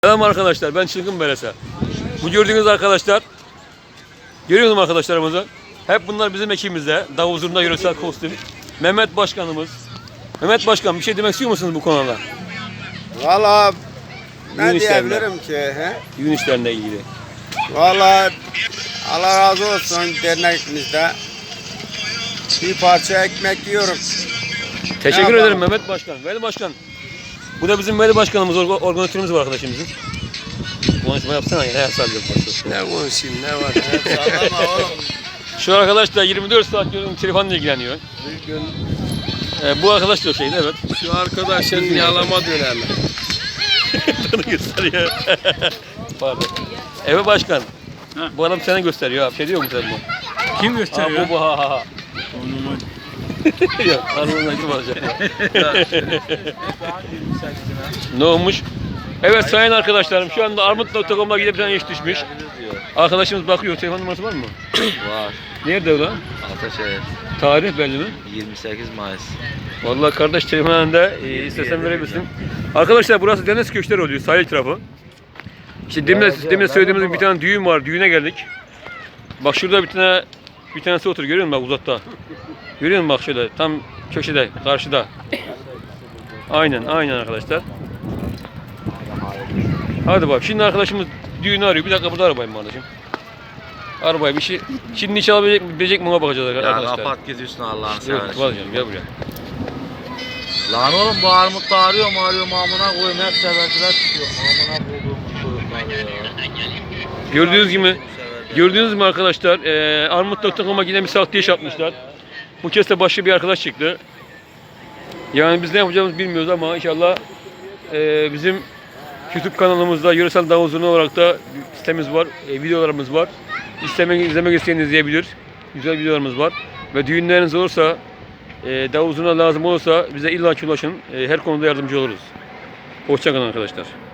Selam arkadaşlar, ben Çılgın Belesa. Bu gördüğünüz arkadaşlar, görüyor musunuz arkadaşlarımızı? Hep bunlar bizim ekibimizde. Davul zurna yöresel kostüm. Mehmet Başkanımız. Mehmet Başkan, bir şey demek istiyor musunuz bu konuda? Valla ne Düğün işlerinde. diyebilirim ki? He? Düğün işlerine ilgili. Valla Allah razı olsun dernekimizde. Bir parça ekmek yiyoruz. Teşekkür Ne ederim yapalım? Mehmet Başkan. Veli Başkan. Bu da bizim Veli Başkanımız, organizatörümüz var arkadaşımızın. Konuşma yapsana ya, her sallıyor. Ne konuşayım ne var? He, sallama oğlum. Şu arkadaş da 24 saat diyorum telefonla ilgileniyor. Bir gün Bu arkadaş da o şeydi, evet. şu arkadaşın yalama dönemi. Bunu gösteriyor. Pardon. Evet Başkan. Bu adam seni gösteriyor abi. Şey diyor mu sen bu? Kim gösteriyor? Bu ha ha ha. Yok, hanımına kim olacak? Ne olmuş? Evet sayın arkadaşlarım, şu anda armut.com'a gidip bir tane iş düşmüş. Arkadaşımız bakıyor, telefon numarası var mı? Var. Nerede o lan? Ataşehir. Tarih belli mi? 28 Mayıs. Vallahi kardeş telefonunda istesen verebilirsin. Arkadaşlar burası deniz köşkleri oluyor, sahil tarafı. İşte demin söylediğimiz bir tane düğün var, düğüne geldik. Bak şurada bir tanesi otur, görüyor musun bak uzakta? Görüyor musun bak şöyle, tam köşede, karşıda. Aynen arkadaşlar. Hadi bak, şimdi düğünü arıyor. Bir dakika burada arabayım kardeşim. Arabayı bir şey, şimdi iş alabilecek mi ona bakacağız Ya arkadaşlar. kapat gidiyorsun Allah'ını Yok, seversen. vazgeçelim, gel buraya. Lan oğlum bu armut da arıyor amına koyayım hep severdiler çıkıyor. Amına koyduğum çocuklar ya. Gördüğünüz gibi arkadaşlar, armut.com'a yine bir sahte iş yapmışlar. Bu kez de başka bir arkadaş çıktı. Yani biz ne yapacağımızı bilmiyoruz ama inşallah bizim YouTube kanalımızda yöresel davul zurna olarak da sitemiz var, videolarımız var. İzlemek isteyen izleyebilir. Güzel videolarımız var. Ve düğünleriniz olursa, davul zurna lazım olursa bize illa ki ulaşın. Her konuda yardımcı oluruz. Hoşça kalın arkadaşlar.